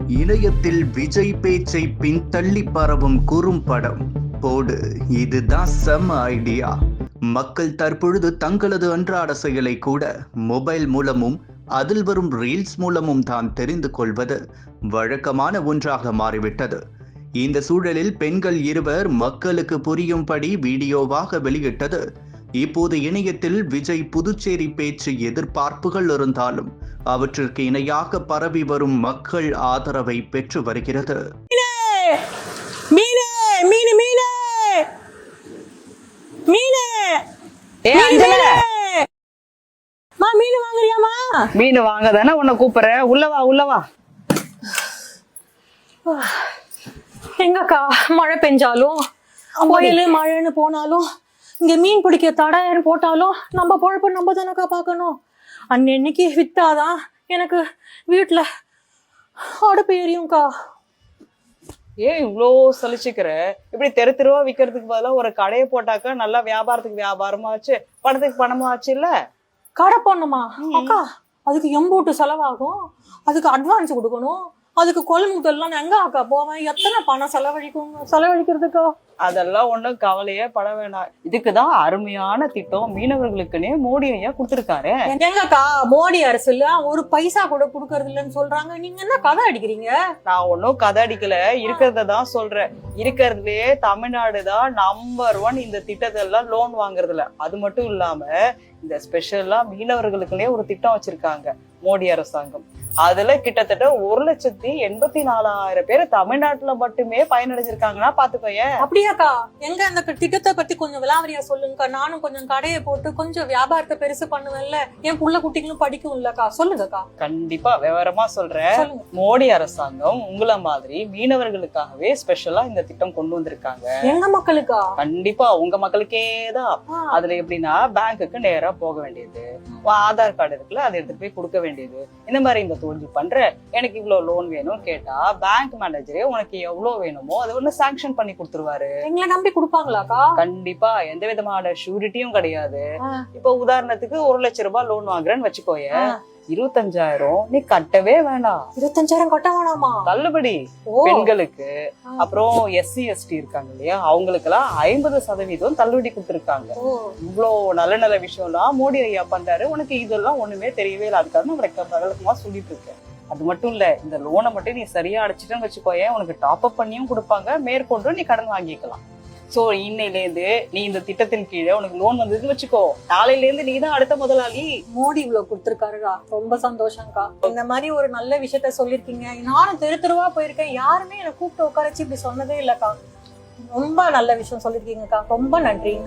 இணையத்தில் விஜய் பேச்சை பின்தள்ளி பரவும் குறும்படம் போடு. இதுதான் செம ஐடியா. மக்கள் தற்பொழுது தங்களது அன்றாட செயலை கூட மொபைல் மூலமும் அதில் வரும் ரீல்ஸ் மூலமும் தான் தெரிந்து கொள்வது வழக்கமான ஒன்றாக மாறிவிட்டது. இந்த சூழலில் பெண்கள் இருவர் மக்களுக்கு புரியும்படி வீடியோவாக வெளியிட்டது இப்போது இணையத்தில் விஜய் புதுச்சேரி பேச்சு எதிர்பார்ப்புகள் இருந்தாலும் அவற்றிற்கு இணையாக பரவி வரும் மக்கள் ஆதரவை பெற்று வருகிறது. மீன் வாங்க தானே உன்னை கூப்பிடுறேன். உள்ளவா உள்ளவா. எங்கக்கா மழை பெஞ்சாலும் கோயிலு மழைன்னு போனாலும் இங்க மீன் பிடிக்க தடைன்னு போட்டாலும் நம்ம பொழப்பு நம்ம தானக்கா பார்க்கணும். அன்னைக்கு வித்தாதான் எனக்கு வீட்டுல அடுப்பு எரியும்க்கா. ஏன் இவ்வளோ சலிச்சுக்கிற? இப்படி தெரு தெருவா விற்கிறதுக்கு பதிலாக ஒரு கடையை போட்டாக்கா நல்லா வியாபாரத்துக்கு வியாபாரமா ஆச்சு, பணத்துக்கு பணமா ஆச்சு. இல்ல கடை போடணுமா அக்கா? அதுக்கு எம்போட்டு செலவாகும், அதுக்கு அட்வான்ஸ் கொடுக்கணும், அதுக்கு கொள்முதல்லாம் எங்க அக்கா போவேன்? எத்தனை பணம் செலவழிக்கிறதுக்கா? அதெல்லாம் ஒண்ணும் கவலையே பட வேண்டாம். இதுக்குதான் அருமையான திட்டம் மீனவர்களுக்குன்னே மோடி ஐயா கொடுத்திருக்காரு. எங்கக்கா மோடி அரசு இல்ல ஒரு பைசா கூட குடுக்கறது இல்லைன்னு சொல்றாங்க. நீங்க என்ன கதை அடிக்கிறீங்க? நான் ஒன்னும் கதை அடிக்கல, இருக்கிறதான் சொல்றேன். இருக்கிறதுலயே தமிழ்நாடு தான் நம்பர் 1 இந்த திட்டத்தெல்லாம் லோன் வாங்குறதுல. அது மட்டும் இல்லாம இந்த ஸ்பெஷலா மீனவர்களுக்குன்னே ஒரு திட்டம் வச்சிருக்காங்க மோடி அரசாங்கம். அதுல கிட்டத்தட்ட 1,84,000 பேர் தமிழ்நாட்டுல மட்டுமே பயனடைஞ்சிருக்காங்கன்னா பாத்துக்கோய. அப்படியாக்கா? எங்க அந்த திட்டத்தை பத்தி கொஞ்சம் விலாவரியா சொல்லுங்கக்கா. நானும் கொஞ்சம் கடையை போட்டு கொஞ்சம் வியாபாரத்தை பெருசு பண்ணுவேன்ல, என் புள்ள குட்டிகளும் படிக்கும் இல்லக்கா. சொல்லுங்கக்கா. கண்டிப்பா விவரமா சொல்றேன். மோடி அரசாங்கம் உங்களை மாதிரி மீனவர்களுக்காகவே ஸ்பெஷலா இந்த திட்டம் கொண்டு வந்திருக்காங்க. எங்க மக்களுக்கா? கண்டிப்பா உங்க மக்களுக்கேதான். அதுல எப்படின்னா பேங்குக்கு நேரா போக வேண்டியது, ஆதார் கார்டு இருக்குல்ல அதை எடுத்துட்டு போய் கொடுக்க வேண்டியது. இந்த மாதிரி இந்த தோல்வி பண்ற எனக்கு இவ்வளவு லோன் வேணும் கேட்டா பேங்க் மேனேஜரே உனக்கு எவ்வளவு வேணுமோ அதை ஒண்ணு சாங்ஷன் பண்ணி கொடுத்துருவாரு. எங்களை நம்பி கொடுப்பாங்களாக்கா? கண்டிப்பா, எந்த விதமான ஷூரிட்டியும் கிடையாது. இப்ப உதாரணத்துக்கு 1 லட்சம் ரூபாய் லோன் வாங்குறேன்னு வச்சுக்கோய, 25,000 நீ கட்டவே வேண்டாம். 25,000 கட்ட வேணாமா? தள்ளுபடி. பெண்களுக்கு அப்புறம் SC ST இருக்காங்க இல்லையா, அவங்களுக்கு எல்லாம் 50% தள்ளுபடி கொடுத்துருக்காங்க. இவ்வளவு நல்ல நல்ல விஷயம்லாம் மோடி ஐயா பண்றாரு. உனக்கு இதெல்லாம் ஒண்ணுமே தெரியவே இல்லை. அதுக்காக உனக்கு பகலமா சொல்லிட்டு இருக்கேன். அது மட்டும் இல்ல, இந்த லோனை மட்டும் நீ சரியா அடைச்சிட்டேன்னு வச்சுக்கோயேன், உனக்கு டாப் அப் பண்ணியும் கொடுப்பாங்க, மேற்கொண்டும் நீ கடன் வாங்கிக்கலாம். சோ இன்னையில இருந்து நீ இந்த திட்டத்தின் கீழே உனக்கு லோன் வந்ததுன்னு வச்சுக்கோ, நாளையில இருந்து நீ தான் அடுத்த முதலாளி. மோடி இவ்வளவு கொடுத்திருக்காருடா, ரொம்ப சந்தோஷம்க்கா. இந்த மாதிரி ஒரு நல்ல விஷயத்த சொல்லிருக்கீங்க. நானும் தெரு தெருவா போயிருக்கேன், யாருமே என்னை கூப்பிட்டு உட்காரச்சு இப்படி சொன்னதே இல்லக்கா. ரொம்ப நல்ல விஷயம் சொல்லிருக்கீங்கக்கா, ரொம்ப நன்றி.